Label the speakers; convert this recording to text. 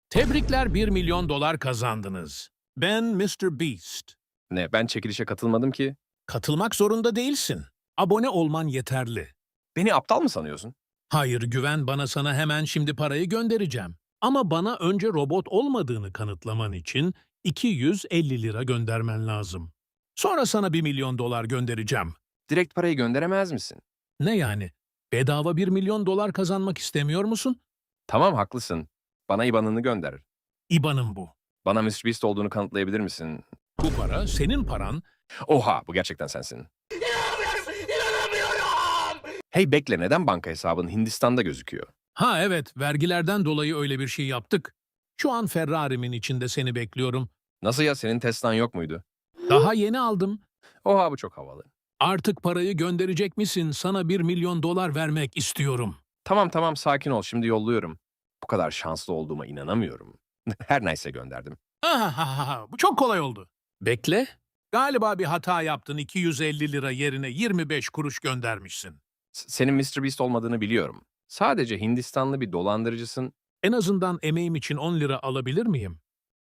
Speaker 1: Tebrikler, 1 milyon dolar kazandınız. Ben Mr. Beast.
Speaker 2: Ne, ben çekilişe katılmadım ki.
Speaker 1: Katılmak zorunda değilsin. Abone olman yeterli.
Speaker 2: Beni aptal mı sanıyorsun?
Speaker 1: Hayır, güven bana, sana hemen şimdi parayı göndereceğim. Ama bana önce robot olmadığını kanıtlaman için 250 lira göndermen lazım. Sonra sana 1 milyon dolar göndereceğim.
Speaker 2: Direkt parayı gönderemez misin?
Speaker 1: Ne yani? Bedava 1 milyon dolar kazanmak istemiyor musun?
Speaker 2: Tamam, haklısın. Bana IBAN'ını gönder.
Speaker 1: İBAN'ım bu.
Speaker 2: Bana MrBeast olduğunu kanıtlayabilir misin?
Speaker 1: Bu para senin paran.
Speaker 2: Oha, bu gerçekten sensin. Hey bekle, neden banka hesabın Hindistan'da gözüküyor?
Speaker 1: Ha evet, vergilerden dolayı öyle bir şey yaptık. Şu an Ferrari'min içinde seni bekliyorum.
Speaker 2: Nasıl ya, senin Tesla'n yok muydu?
Speaker 1: Daha yeni aldım.
Speaker 2: Oha, bu çok havalı.
Speaker 1: Artık parayı gönderecek misin? Sana 1 milyon dolar vermek istiyorum.
Speaker 2: Tamam tamam, sakin ol, şimdi yolluyorum. Bu kadar şanslı olduğuma inanamıyorum. Her neyse, gönderdim.
Speaker 1: Ahahaha, bu çok kolay oldu. Bekle. Galiba bir hata yaptın. 250 lira yerine 25 kuruş göndermişsin.
Speaker 2: Senin MrBeast olmadığını biliyorum. Sadece Hindistanlı bir dolandırıcısın.
Speaker 1: En azından emeğim için 10 lira alabilir miyim?